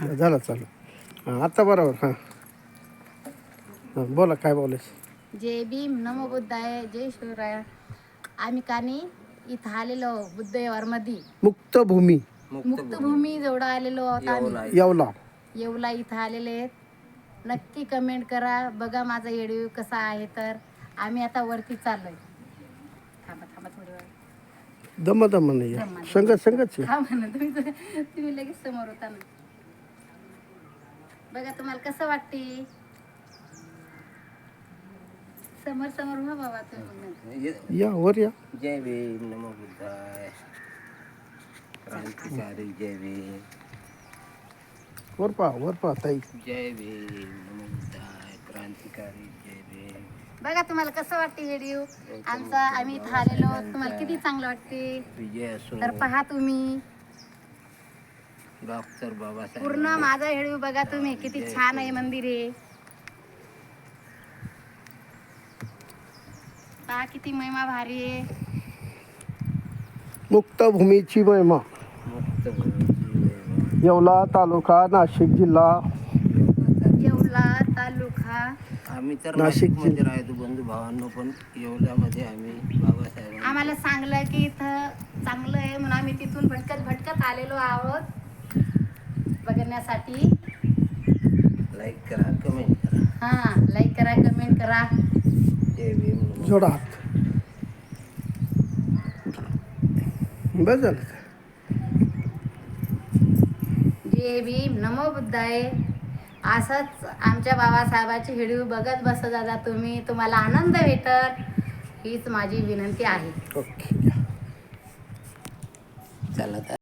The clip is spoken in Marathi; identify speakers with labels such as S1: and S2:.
S1: झालं चालू. हां आता बरोबर. हां हां बोला काय बोलायचं.
S2: जय भीम, नमो बुद्धाय, जय शिवराय. आम्ही कानी इथं आलेलो बुद्धविहारमध्ये
S1: मुक्तभूमी
S2: मुक्तभूमी जवळ आलेलो आहोत आम्ही.
S1: येवला.
S2: येवला इथं आलेले आहेत. नक्की कमेंट करा, बघा माझा व्हिडिओ कसा आहे. तर आम्ही आता वरती चाललोय. थांबा थांबा थोडी वेळ.
S1: दम दम नाही संगत संगत
S2: हा म्हणा तुम्ही लगेच समोर होता ना. बघा तुम्हाला कसं वाटते. समोर समोर हो बाबा तुम्ही.
S1: या वर या.
S3: जय भीम, नमो बुद्धाय, क्रांतिकारी जय भीम.
S1: वर पहा ताई.
S3: जय भीम, नमो बुद्धाय, क्रांतिकारी जय भीम.
S2: बघा तुम्हाला कसं वाटते व्हिडिओ आमचा. आम्ही इथं आलेलो, तुम्हाला किती चांगलं वाटते.
S3: विजय असो.
S2: तर पहा तुम्ही
S3: डॉक्टर बाबासाहेब.
S2: पूर्ण माझा व्हिडिओ बघा तुम्ही. किती छान आहे मंदिर आहे. पहा किती महिमा भारी आहे.
S1: मुक्तभूमीची महिमा. येवला तालुका, नाशिक जिल्हा.
S2: येवला तालुका.
S3: आम्ही तर
S1: नाशिक
S3: नाशिकमध्ये राहतो बंधू भावांनो, पण येवल्यामध्ये आम्ही बाबासाहेब
S2: आम्हाला सांगलं की इथं चांगलं आहे म्हणून आम्ही तिथून भटकत आलेलो आहोत बघण्यासाठी.
S3: लाईक करा, कमेंट करा.
S2: हां लाईक करा, कमेंट करा.
S3: जय भीम, नमो
S1: जोडा हात. बस झालं.
S2: जय भीम, नमो बुद्धाय. असंच आमच्या बाबासाहेबाचे व्हिडिओ बघत बसत जा तुम्ही. तुम्हाला आनंद भेटल हीच माझी विनंती आहे.
S1: ओके.
S3: चला.